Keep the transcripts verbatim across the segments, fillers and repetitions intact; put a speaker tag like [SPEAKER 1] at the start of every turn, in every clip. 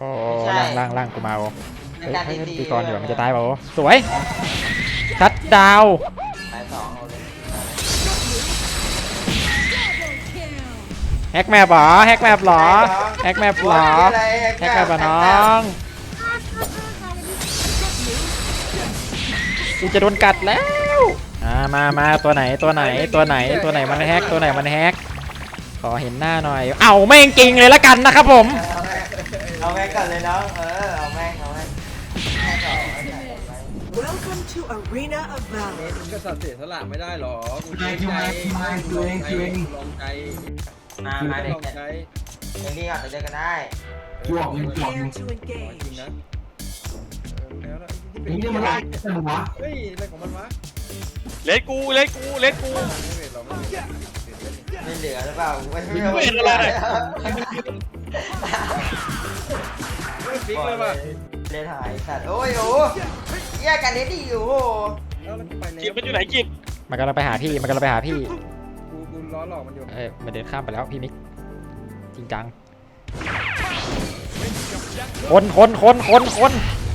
[SPEAKER 1] โอ้ล่างล่างล่างกูมาโอ้เฮ้ยให้ตีก่อนดีกว่ามันจะตายเปล่าโอ้สวยชัดดาว
[SPEAKER 2] ตายสองเอาเลย
[SPEAKER 1] แฮกแมปหรอแฮกแมปหรอแฮกแมปหรอแฮกแมปหรอน้องกูจะโดนกัดแล้วอ่ามามาตัวไหนตัวไหนตัวไหนตัวไหนมันแฮกตัวไหนมันแฮกขอเห็นหน้าหน่อยเอาแม่งจริงเลยละกันนะครับผม
[SPEAKER 2] เอาแม่งก่อนเลยน้องเออเอาแม่งเอาแม่ง
[SPEAKER 3] Welcome to Arena of Valor
[SPEAKER 4] มึงก็สัตว์เสียสละไม่ได้หรอกูใจใจลองใจลองใจ
[SPEAKER 2] มามาเด็ก
[SPEAKER 4] ลองใจ
[SPEAKER 2] เด็กนี่ก่อนจะเจอกันได้
[SPEAKER 5] จวกมันจวก
[SPEAKER 3] Prepare to
[SPEAKER 4] จริง
[SPEAKER 3] engage
[SPEAKER 4] นะแล้วแล้ว
[SPEAKER 5] นี่เนี่ยมันไล่กันวะ
[SPEAKER 4] เฮ้ยอะไรของมันวะ
[SPEAKER 6] เล่นกูเล่นกูเล่นกู
[SPEAKER 4] ไม่เห็นหรอไม่เห็น
[SPEAKER 2] ไม่เหลือหรือเปล่าไม่
[SPEAKER 6] ไม่เห็นอะไร
[SPEAKER 4] ไม่ฟิกเลยว่ะ
[SPEAKER 2] เล่นหายสัตว์โอ้ยโอ้แยกกันเล่นดีอยู่โอ้
[SPEAKER 4] แล้วมันไปแล้ว
[SPEAKER 6] กิบมันอยู่ไหนกิบ
[SPEAKER 1] มันกำลังไปหาพี่มันกำลังไปหาพี่
[SPEAKER 4] กูกูล้อหลอกมันอยู่
[SPEAKER 1] เอ้ยมันเดินข้ามไปแล้วพี่มิกจริงจังคนคนคนคนคน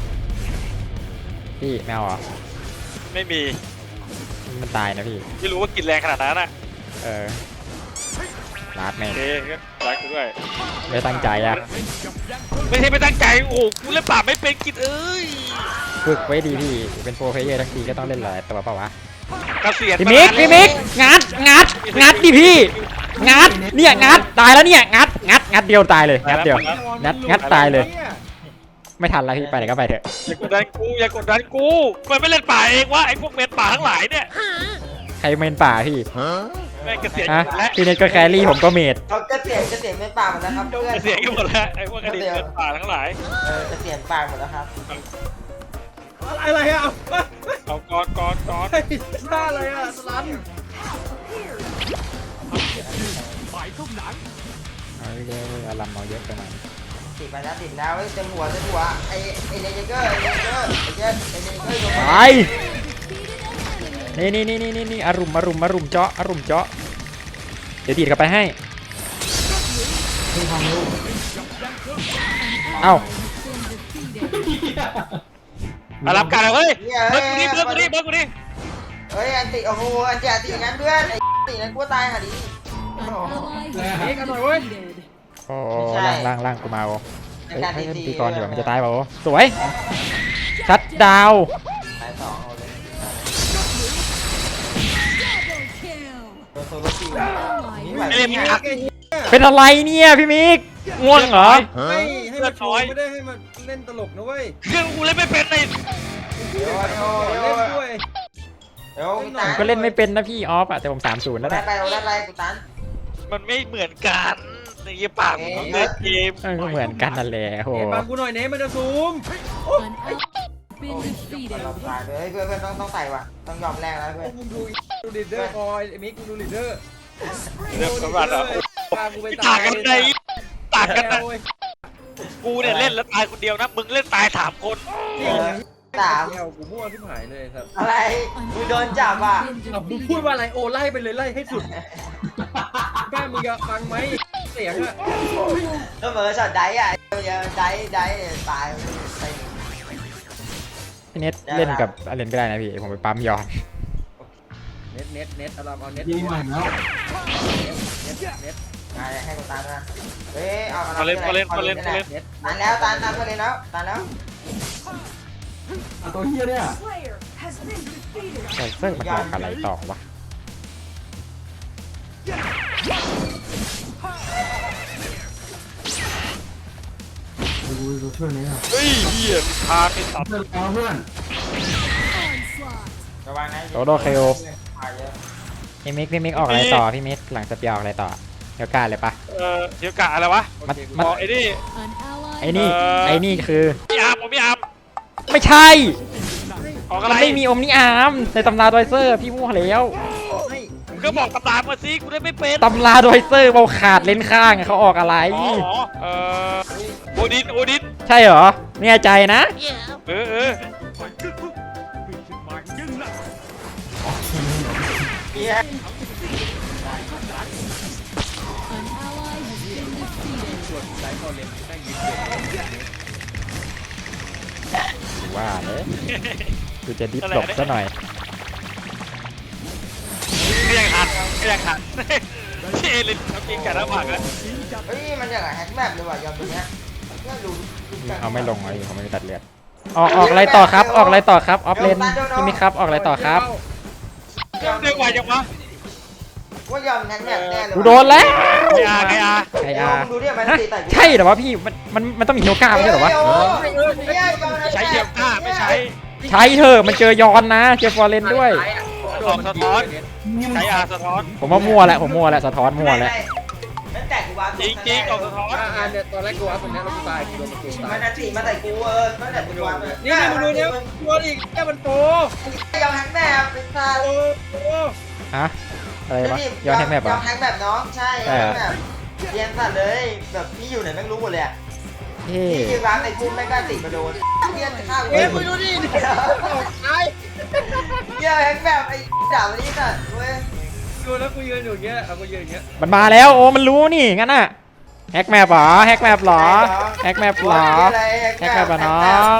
[SPEAKER 1] พี่แมวเหรอ
[SPEAKER 6] ไม่มี
[SPEAKER 1] มันตายนะพี่
[SPEAKER 6] ไม่รู้ว่ากินแรงขนาดนั้นอ่ะ
[SPEAKER 1] เออลาดแม่ง
[SPEAKER 6] โอเครักกูด้วย
[SPEAKER 1] ไม่ตั้งใจอะ
[SPEAKER 6] ไม่ใช่ไม่ตั้งใจโอ้กูเล่นป่าไม่เป็นกินเอ้ย
[SPEAKER 1] ฝึกไว้ดีพี่เป็นโปรเพลเยอร์ทั้งทีก็ต้องเล่นหลายตัวเปล่าวะ
[SPEAKER 6] เกษียณ
[SPEAKER 1] พี่มิกพี่มิกงัดงัดงัดดิพี่งัดเนี่ยงัดตายแล้วเนี่ยงัดงัดงัดเดียวตายเลยงัดเดียวงัดงัดตายเลยไม่ทันแล้วพี่ไปไหนก็ไปเถอะ
[SPEAKER 6] อย่ากดดันกูอย่ากดดันกูมันไม่เล่นป่าเองวะไอ้พวกเมนป่าทั้งหลายเนี่ย
[SPEAKER 1] ใครเมนป่าพี่
[SPEAKER 6] แม่งเกษียณ
[SPEAKER 1] ฮะ
[SPEAKER 6] และ
[SPEAKER 1] พี่เนทก็แครี่ผมก็เมด
[SPEAKER 2] เขาจะเสียนจะเสียนเป็นป่าหมดแล้วครับเพื่อน
[SPEAKER 6] เกษียณกันหมดแล้วไอ้พวกอดีตเมนป่าทั้งหลาย
[SPEAKER 2] เออจะเสียนป่าหมดแล้วครับ
[SPEAKER 4] อะไรอ่ะ
[SPEAKER 6] เอากอดกอดกอด
[SPEAKER 4] ท่าอะไรอ่ะสลัน
[SPEAKER 1] เอาเยอะเอาลำเอาเยอะไปหน่อย
[SPEAKER 2] ติดไปแล้วติดแล้วเต็มหัวเต็มหัวไอ้ไอ้เนเจอร์ไอ้เนเจอร์ไอ้เจอร์ไอ้เนเจอร์โดน
[SPEAKER 1] ไปนี่นี่นี่นี่นี่อารุมอารุมอารุมเจาะอารุมเจาะเดี๋ยวดีดกลับไปให้เอ้า
[SPEAKER 6] อารับกันเฮ้ยเบิร์ดกูดิเบิร์ดกูดิเบิร์ดกูดิ
[SPEAKER 2] เฮ้ยอันติโอ้โหอันติอันติงั้นเพื่อนไอ้ติงั้นกูตายหาดิ
[SPEAKER 4] เอ๊ะกันหน่อยเว้ย
[SPEAKER 1] โอ้ล่างล่างล่างกูมาโอ้เฮ้ยให้ตีก่อนดีกว่ามันจะตายเปล่าโอ้สวยชัดดาว
[SPEAKER 2] ตายสองเอาเลยโดนโซโลคิวนี่ไหว
[SPEAKER 6] ไม่เล่นมีอัก
[SPEAKER 1] เป็นอะไรเนี่ยพี่มิกง่วงเหรอ
[SPEAKER 4] ไม่ให้มันโชว์ไม่ได้ให้มันเล่นตลกนะเว้ย
[SPEAKER 6] เครื่องกูเล่นไม่เป็นเลย
[SPEAKER 2] เดี๋ยวเดี๋ยว
[SPEAKER 4] เล่
[SPEAKER 2] เดี๋ยวน
[SPEAKER 4] ด้วย
[SPEAKER 2] เดี๋ยว
[SPEAKER 1] ผมก็เล่นไม่เป็นนะพี่ออฟอะแต่ผมสามศูนย์แล้ว
[SPEAKER 2] ได้
[SPEAKER 1] นะ
[SPEAKER 2] ไปเราได้ไปกูตัน
[SPEAKER 6] มันไม่เหมือนกันในยี่ป่ามันต้องเล่นเกม
[SPEAKER 1] เออก็เหมือนกันนั่นแหละโห
[SPEAKER 4] เอ๊ะบังกูหน่อยเนมันจะซูม
[SPEAKER 2] เราตายเลยเพื่อนเพื่อนต้องต้องใส่ว่ะต้องยอมแลกแล้วเพื่อน
[SPEAKER 4] มึงดูดูลีดเดอร์คอยมิกมึงดูลีดเดอร์
[SPEAKER 6] เรื่องสำคัญอ่ะ
[SPEAKER 4] พากูไป
[SPEAKER 6] ต่างกันในต่างกันนะ
[SPEAKER 4] เว้ย
[SPEAKER 6] กูเนี่ยเล่นแล้วตายคนเดียวนะมึงเล่นตายสามคน
[SPEAKER 2] สาม
[SPEAKER 4] เดียวกูมั่วที่หายเลยครับ
[SPEAKER 2] อะไรมึงโดนจับอ่ะ
[SPEAKER 4] มึงพูดว่าอะไรโอไล่ไปเลยไล่ให้สุดแม่มึงจะฟังไหมเสียงอะ
[SPEAKER 2] ก็เหมือนช็อตไดอ่ะเดี๋ยวไดไดตายไป
[SPEAKER 1] พี่เน็ตเล่นกับอเลนก็ได้นะพี่ผมไปปั๊มยอน
[SPEAKER 4] เน็ตเน็ตเน็ตเอาเอาเน็ต
[SPEAKER 5] ยิงใหม่แล้ว
[SPEAKER 4] เน็ตเน็ต
[SPEAKER 2] ให้กูตันนะเฮ้ยเอา
[SPEAKER 6] มาเล่นมาเล่นมาเล่นมาเล่น
[SPEAKER 4] เน็ต
[SPEAKER 2] ตันแล้วตันตันมาเลยแล้วตันแล้ว
[SPEAKER 5] ตัวเฮียเนี่ย
[SPEAKER 1] ไซเซอร์มันบอกอะไรต่อวะ
[SPEAKER 5] ดูดูช่วยนี้ครับ
[SPEAKER 6] เฮ้ยเหี้ยพาไปตัด
[SPEAKER 5] เพื่อนเอาเพื่อน
[SPEAKER 2] ระวังนะ
[SPEAKER 1] โดโดเคโอพี่มิกพี่มิกออกอะไรต่อพี่มิกหลังจะเปียออกอะไรต่อเดี๋ยวกล้าเลยปะ
[SPEAKER 6] เออเดี๋ยวกะอะไรวะ
[SPEAKER 1] มัด
[SPEAKER 6] อ๋อไอ้นี่
[SPEAKER 1] ไอ้นี่ไอ้นี่คือ
[SPEAKER 6] พี่อาร์มผมพี่อาร์ม
[SPEAKER 1] ไม่ใช่
[SPEAKER 6] ออก
[SPEAKER 1] มั
[SPEAKER 6] อะไร
[SPEAKER 1] นไม่มีอมนิอาร์มในตำราดอยเซอร์พี่มั่วแล้ว
[SPEAKER 6] มึงก็บอกตำรามาสิกูได้ไม่เป็น
[SPEAKER 1] ตำราดอยเซอร์เบาขาดเลนข้างอะเขาออกอะไร
[SPEAKER 6] อ๋อเออโอดินโอดิน
[SPEAKER 1] ใช่เหรอแน่ใจนะ
[SPEAKER 6] เออเออ
[SPEAKER 2] เฮีย
[SPEAKER 4] ส่วนสายคอเลนได้ยินเสียง
[SPEAKER 1] ว่าเลยกูจะดิฟหลบซะหน่อย
[SPEAKER 6] ก็ยังทันก็ยังทันที่เอลินทำกินกันแล้วผักแล้ว
[SPEAKER 2] เฮ้ยมันอย่างไรแฮกแมปเลยว่ะยอมตัวเนี้ยเนี่ยดู
[SPEAKER 1] เอาไม่ลงเลยเขาไม่ตัดเลือดออกออกอะไรต่อครับออกอะไรต่อครับออฟเลนพี่มิกครับออกอะไรต่อครับ
[SPEAKER 6] เรียกว่ายังวะ
[SPEAKER 2] ว่ายอมแฮกแมปแน่เลย
[SPEAKER 1] กูโดนแล้ว
[SPEAKER 6] ไออาร์ไออาร์
[SPEAKER 1] ไออาร์
[SPEAKER 2] ดูดิมัน
[SPEAKER 1] ฮะ
[SPEAKER 2] ตีแต่
[SPEAKER 1] ใช่เหรอวะพี่มันมันมันต้องมีเฮลก้าไม่ใช่เหรอวะ
[SPEAKER 6] ใช้เยียมหน้าไม่ใช้
[SPEAKER 1] ใช้เถอะมันเจอยอนนะเจอฟอร์เรนด้วย
[SPEAKER 6] ออกสะท้อนใช้อาร์สะท้อน
[SPEAKER 1] ผมว่ามั่วแล้วผมมั่วแล้วสะท้อนมั่วแล้ว
[SPEAKER 2] มันแตกกูวา
[SPEAKER 6] จริงจริงออกสะท้อน
[SPEAKER 4] อ่าเนี่ยตอนแรกกูอัพตรงนี้แล้วกูตายกูโดนมันกูตา
[SPEAKER 2] มั
[SPEAKER 4] ย
[SPEAKER 2] นจะตีมาใส่กูเออมันแตกกูวา
[SPEAKER 4] นี่นี่มึงดูเนี่ยตัวอีกแค่มันโต
[SPEAKER 2] ยอมแฮกแมปเป็นซา
[SPEAKER 4] โตโต
[SPEAKER 1] ฮะอะไรวะยอนแฮกแมป
[SPEAKER 2] ย
[SPEAKER 1] เหร
[SPEAKER 2] อ
[SPEAKER 1] อ
[SPEAKER 2] มแฮกแมปน้องใช่ยอมแฮกแมปเรียนสัตว์เลยแบบพี่อยู่ไหนแม่งรู้หมดเลยอ่ะ
[SPEAKER 1] เฮ้
[SPEAKER 2] พี่ยืนร้านในกุ้งแม่งก็ติดมาโดนเรียนข้าว
[SPEAKER 4] เอ้ยมึงดูดิตาย
[SPEAKER 2] เยอะแฮกแมปไอ้ด่าวันนี้สัตว์เว้ย
[SPEAKER 4] ดูแล้วกูยืนอยู่อย่างเงี้ยเอากูยืนอย่างเงี้ย
[SPEAKER 1] มันมาแล้วโอ้มันรู้นี่งั้นน่ะแฮกแมปเหรอแฮกแมปเหรอแฮกแมปเหรอแฮกแมปเหรอน้อง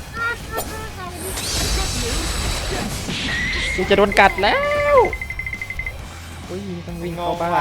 [SPEAKER 1] กูจะโดนกัดแล้วอุ้ยต้องวิ่งเข้าบ้าน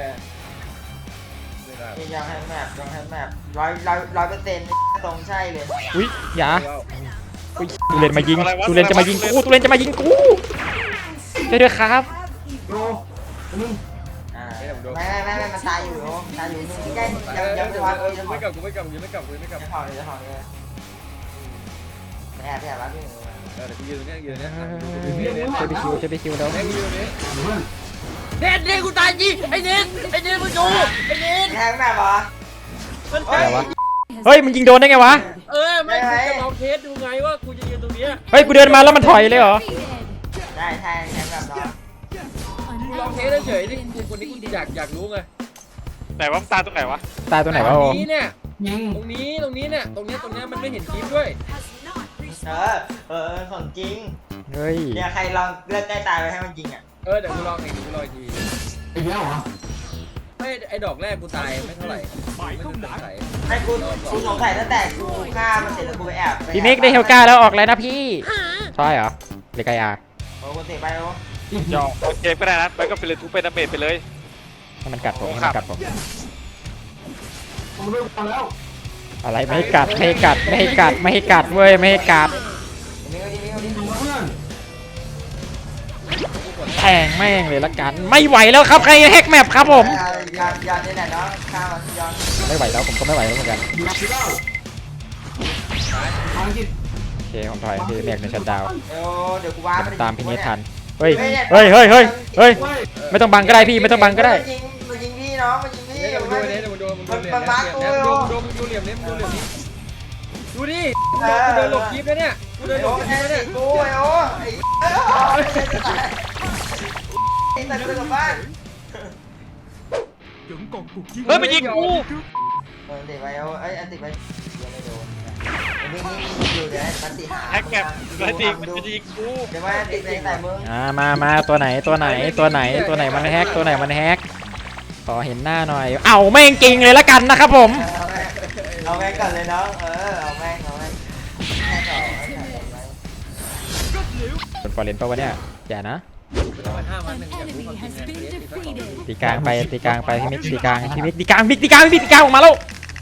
[SPEAKER 2] ยังแฮกแมปยังแฮกแมปร้อยร้อยร้อยเปอร์เซ็นต์ตรงใช่เลย
[SPEAKER 1] อุ้ยอย่าอุ้ยตูเลนมายิงตูเลนจะมายิงกูตูเลนจะมายิงกูช่วยด้วยครับ
[SPEAKER 5] โดนึง
[SPEAKER 2] อ่าไม่ไม่ไม่มันตายอยู่ตายอยู่นึงใกล้ยังยังไม่วาง
[SPEAKER 4] เออ
[SPEAKER 2] ยัง
[SPEAKER 4] กูไม่กลับกูไม่กลับกูไม่กลับกูไม่กลับ
[SPEAKER 2] จะถอดเลยจะถอดเลยแอบแอบรับพี่
[SPEAKER 4] เออเดี๋ยวกูยืนเนี่ยยืนเนี่ย
[SPEAKER 1] ช่วยไปคิวช่วยไปคิวแล้ว
[SPEAKER 4] เนี่ยกูยืนเนี่ย
[SPEAKER 5] เพื่อน
[SPEAKER 4] เน็ตเน็ตกูตายจริงไอ้เน็ตไอ้เน็ตมึงดูไอ้เน็ต
[SPEAKER 2] แฮกแมปเหรอ
[SPEAKER 4] มัน
[SPEAKER 2] เฮ้
[SPEAKER 4] ตาย
[SPEAKER 2] ย
[SPEAKER 1] เฮ้ยมันยิงโดนได้ไงวะ
[SPEAKER 4] เออไม่กูจะลองเทสดูไงว่ากูจะยืนตรงเนี้ย
[SPEAKER 1] เฮ้ยกูเดินมาแล้วมันถอยเลยเหรอ
[SPEAKER 2] ได้ใช่แฮกแมปเนาะ
[SPEAKER 4] กูลองเทสเฉยๆนี่กูคนนี้กูอยากอยากรู้ไง
[SPEAKER 6] ไหนวะตาตรงไหนวะ
[SPEAKER 1] ตายตัวไหนวะ
[SPEAKER 4] ต
[SPEAKER 1] โอ
[SPEAKER 4] รง
[SPEAKER 1] ม
[SPEAKER 4] นี้เนี่ย
[SPEAKER 5] ยิง
[SPEAKER 4] ตรงนี้ตรงนี้เนี่ยตรงเนี้ยตรงเนี้ยมันไม่เห็นคลิปด้วย
[SPEAKER 2] เออเออของจริง
[SPEAKER 1] เฮ้ย
[SPEAKER 2] เนี่ยใครลองเลือดใกล้ตายไปให้มันจริงอ่ะ
[SPEAKER 4] เออเดี๋ยวกูลองเองกูลองอีกที
[SPEAKER 5] อีกแล้วเหรอ
[SPEAKER 4] ไม่ไอ้ดอกแรกกูตายไม่เท่าไหร่ไม่สงสัย
[SPEAKER 2] ไอ้กูกูสงสัยตั้งแต่กูฆ่ามันเสร็จแล้วกูไปแอบ
[SPEAKER 1] พี่มิกได้เฮลก้าแล้วออกแล้วนะพี่ใช่เหรอเลกายา
[SPEAKER 2] โอ้กูเตะไปโอ้
[SPEAKER 6] ยอมเกมก็ได้นะไปก็เป็นเลยทุบเป็นดาเมจไปเลย
[SPEAKER 1] ให้มันกัดผมให้มันกัดผม
[SPEAKER 5] ผมเริ่มมาแล้ว
[SPEAKER 1] อะไรไม่ให้กัดไม่ให้กัดไม่ให้กัดไม่ให้กัดเว้ยไม่ให้กัด
[SPEAKER 2] นี่ก็ดีนี่ก็ดี
[SPEAKER 5] ดูเพื่อน
[SPEAKER 1] แทงแม่งเลยละกันไม่ไหวแล้วครับใครแฮกแมปครับผม
[SPEAKER 2] ยอนยอนนี่แหละเนาะฆ่ามันยอน
[SPEAKER 1] ไม่ไหวแล้วผมก็ไม่ไหวแล้วเหมือนกัน
[SPEAKER 5] ดูสิแล้วภารกิจ
[SPEAKER 1] โอเคผมถอยพี่แมกในชัดดาวน์
[SPEAKER 2] เดี๋ยวเดี๋ยวกูว้าไป
[SPEAKER 1] ตามพี่เนททันเฮ้ยเฮ้ยเฮ้ยเฮ้ยเฮ้ยไม่ต้องบังก็ได้พี่ไม่ต้องบังก็ได้
[SPEAKER 2] ยิงมันยิงพี่น้องมันยิงพี่
[SPEAKER 4] เดี๋ยวมึงดูเนี่ยเดี๋ยวมึงดูมึงดูเหลี่ยมเนี่ยดูดูมึงดูเหลี่ยมเนี่ยมึงดูเหลี่ยมนี้ดูดิกูเดินหลบคลิปแล้วเนี่ยกูเดินหล
[SPEAKER 2] โอ้
[SPEAKER 4] บ
[SPEAKER 2] แท
[SPEAKER 4] คลิป
[SPEAKER 2] น
[SPEAKER 4] แล้ว
[SPEAKER 2] ติ
[SPEAKER 4] เนี่ย
[SPEAKER 2] กูไอ้โอ้ไอ้ไอ้แต่กูกลับบ้าน
[SPEAKER 6] เฮ้ยมันยิงกู
[SPEAKER 2] เออติดไปโอ้ไอ้อันติดไปยังไม่โดนวิ่งนี่อยู่เดี๋ยวมันติดหา
[SPEAKER 6] แฮกแมปมันยิงมันจะยิงกู
[SPEAKER 2] เดี๋ยวว่าติดไปใส่มึง
[SPEAKER 1] อ่ามามาตัวไหนตัวไหนตัวไหนตัวไหนมันแฮกตัวไหนมันแฮกขอเห็นหน้าหน่อยเอาแม่งจริงเลยละกันนะครับผม
[SPEAKER 2] เอาแม่งก่อนเลยน้องเออเอาแม่งเอาแม่งแม่งก่อน
[SPEAKER 1] เป็นฟอร์เรนป่าวะเนี่ยอย่านะ
[SPEAKER 4] ห้าวันหนึ่งอยากรู้ความจริงเนี่ย
[SPEAKER 1] ตีกลางไปตีกลางไปพี่มิกตีกลางพี่มิกตีกลางมิกตีกลางพี่มิกตีกลางออกมาแล้ว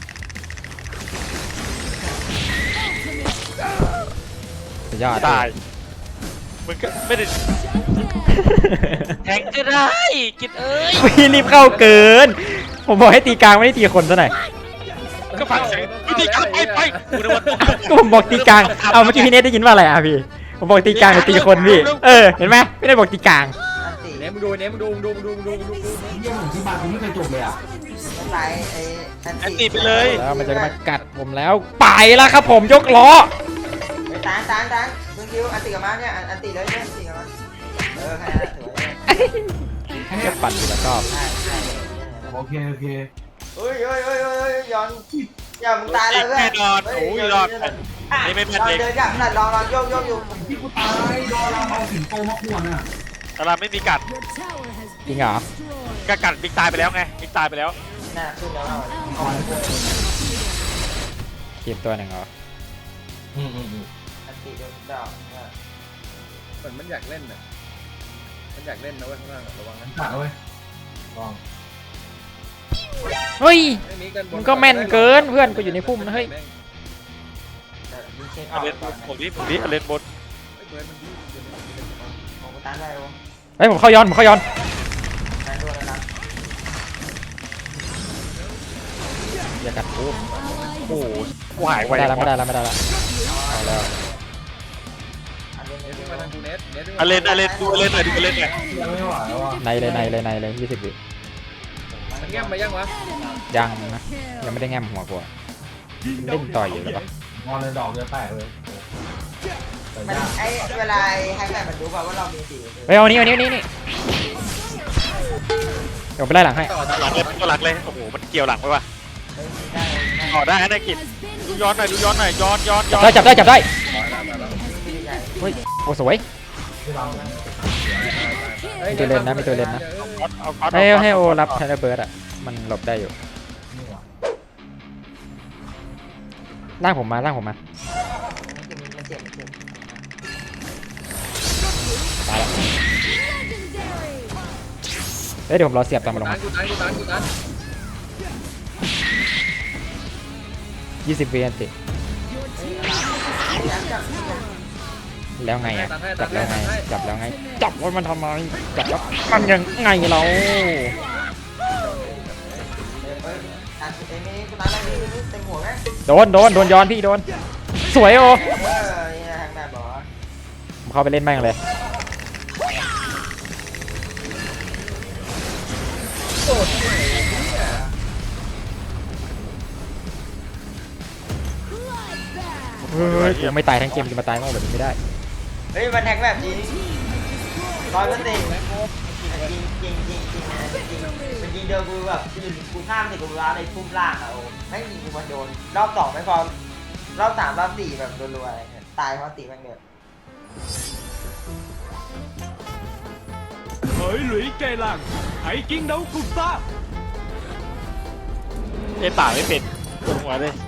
[SPEAKER 1] สุดยอด
[SPEAKER 6] ตายมึงก็ไม่ได้แทงก็ได้กินเอ้ย
[SPEAKER 1] พี่รีบเข้าเกิน ผมบอกให้ตีกลางไม่ได้ตีคนซะหน่อย
[SPEAKER 6] ก็ฟังเสียงวิธีการไปไปกูนึกว่า
[SPEAKER 1] ก็ผมบอกตีกลางเอาเมื่อกี้พี่เนทได้ยินว่าอะไรอ่ะพี่ผมบอกตีกลางหรือตีคนพี่เออเห็นไหมไม่ได้บอกตีกลาง
[SPEAKER 2] อันติ
[SPEAKER 4] เนี่ยมึงดูเนี่ยมึงดูมึงดูมึงดูมึงดูมึงดูมึงดู
[SPEAKER 5] เยี่ยมของที่บ้านผมไม่เคยจบเลยอ่ะ
[SPEAKER 2] ไม่ไปไอ้อัน
[SPEAKER 6] อัน
[SPEAKER 2] ติ
[SPEAKER 6] ตีไปเลย
[SPEAKER 1] แล้วมันจะมากัดผมแล้วไปแล้วครับผมยกล้อ
[SPEAKER 2] ไปตานตานตานมึงคิวอันติกับมาเนี่ยอันติเลยเนี่ยอันติกับมาเออแค่นั้นสวย
[SPEAKER 5] แค่นี้
[SPEAKER 1] แค่ปั่นทีละรอบ
[SPEAKER 2] ใช่ใช่
[SPEAKER 5] โอเคโอเค
[SPEAKER 2] เฮ้ยเฮ้ยเฮ้ยเฮ้ยย้อนอย่ามึงตายแล้วเพื่อน
[SPEAKER 6] แน่นอนโอ้ยรอดนี่ไม่แม่นเอง
[SPEAKER 2] เดินกับนั่นลองลองโยกโยกอยู่
[SPEAKER 5] ที่กูตายโดนเราเอาสิงโตมาขวนอ่ะ
[SPEAKER 6] ตลาดไม่มีกัด
[SPEAKER 1] จริงเหรอ
[SPEAKER 6] ก็กัดบิ๊กตายไปแล้วไงบิ๊กตายไปแล้ว
[SPEAKER 2] น่าขึ้นแล้วเรา
[SPEAKER 5] ก่อน
[SPEAKER 1] ทีมตัวหนึ่งเหรอ
[SPEAKER 5] อืมอืมอืม
[SPEAKER 2] อันติติโดนดอกเนี่ย
[SPEAKER 4] เหมือนมันอยากเล่นน่ะมันอยากเล่นนะเว้ยข้างล่างระวังนะ
[SPEAKER 5] ขาดเว้ยลอง
[SPEAKER 1] เฮ้ย
[SPEAKER 4] ไอ้นี้กันบ
[SPEAKER 1] มึงก็แม่นเกินเพื่อนกูอยู่ในพุ่มนะเฮ้ย
[SPEAKER 2] แต่ยิงเช็คอ
[SPEAKER 6] เอา
[SPEAKER 2] อก
[SPEAKER 6] เลน
[SPEAKER 2] ก่อน
[SPEAKER 6] ผมนี่ผมนี่เอาเลนบน
[SPEAKER 4] ไอ้เบิร์ดมันดีเดี๋ยวมันเดี๋ยวมัน
[SPEAKER 2] ผมกูตันได้โอ้
[SPEAKER 1] เฮ้ยผมเข้าย้อนผมเข้าย้อน
[SPEAKER 2] ได้ด้วยแล้วนะ
[SPEAKER 1] อย่ากัดกู
[SPEAKER 6] โอ้โหกูหายไป
[SPEAKER 1] ไม่ได้แล้วไม่ได้แล้วไม่ได้แล้วเอาแล้ว
[SPEAKER 2] อันนี้
[SPEAKER 4] เน
[SPEAKER 2] ไม่
[SPEAKER 4] ส
[SPEAKER 2] รู้
[SPEAKER 4] มาทางกูเนสเนส
[SPEAKER 6] เอาเลนเอาเลนดูเอาเลนหน่อยดูเอาเลนหน่อย
[SPEAKER 5] ยังไม่ไหวแล้วว่ะ
[SPEAKER 1] ในเลยในเลยในเลยยี่สิบวิ
[SPEAKER 4] มันแง้มมายังวะ
[SPEAKER 1] ยังนะยังไม่ได้แง้มหัวกูอะเล่นต่อยอยู่แล้วปะ
[SPEAKER 5] มองเลยดอกเดียวแตกเลยแต่
[SPEAKER 2] มัน
[SPEAKER 5] ยาก
[SPEAKER 2] ไอ้เวลาให้แม่มันรู้ป่าว่าเรามีสี
[SPEAKER 1] เฮ้ยเอานี้เอานี้เอานี้นี่เดี๋ยวไปไล่หลังให้
[SPEAKER 4] ต่อ
[SPEAKER 6] หลังเลยตัวหลังเลยโอ้โหมันเกี่ยวหลังไปว่ะ
[SPEAKER 2] เฮ้ยได้ได้
[SPEAKER 6] ต่อได้นะกิจดูย้อนหน่อยดูย้อนหน่อยย้อนย้อนย้อน
[SPEAKER 1] ได้จับได้จับได้
[SPEAKER 2] ใหญ่
[SPEAKER 1] เฮ้ยโอ้สวย
[SPEAKER 5] ที่เรา
[SPEAKER 1] มีตัวเล่นนะมีตัวเล่นนะ
[SPEAKER 6] เอาเอา
[SPEAKER 1] ให้
[SPEAKER 6] เอา
[SPEAKER 1] ให้โอรับแทนเบิร์ดอ่ะมันหลบได้อยู่
[SPEAKER 5] นี่ว่ะ
[SPEAKER 1] ล่างผมมาล่างผมมา
[SPEAKER 2] มันเจ็บมันเจ็บ
[SPEAKER 1] ตายแล้วเฮ้ยเดี๋ยวผมรอเสียบตอนมาลง
[SPEAKER 4] ตั
[SPEAKER 1] มาน
[SPEAKER 4] กูตันกูตันกูตัน
[SPEAKER 1] ยี่สิบวินาทีแล้วไงอ่ะจับแล้วไงจับแล้วไงจับว่ามันทำไมจับแล้วมันยังไงเรา
[SPEAKER 2] เฮ้ยอัดไอ้นี่กูตันได้นี่เต็มหัวไหม
[SPEAKER 1] โดนโดนโดนย้อนพี่โดนสวยโอ
[SPEAKER 2] เออนี่ทางแบบบอก
[SPEAKER 1] ผมเข้าไปเล่นแม่งเลย
[SPEAKER 4] โอ้ย
[SPEAKER 1] เฮ้ยกูไม่ตายทั้งเกมจะมาตายโง่แบบนี้ไม่ได้
[SPEAKER 2] เฮ้ยมันแทงแบบจริงร้อยเปอร์เซ็นต์จริงจริงจริงจริงจริงจริงเป็นยิงเดียวกูแบบยืนกูข้ามเสร็จกูร้าในพุ่มล่างอะโอ้ไม่ยิงกูมันโดนรอบสองไม่พอรอบสามรอบสี่แบบรัวๆอะไรเงี้ยตายเพราะตีแม่งเดือด
[SPEAKER 7] Khởi lũy cây làng, hãy chiến đấu cùng ta.
[SPEAKER 6] เล่นป่าไม่เป็นปวดหัวเลย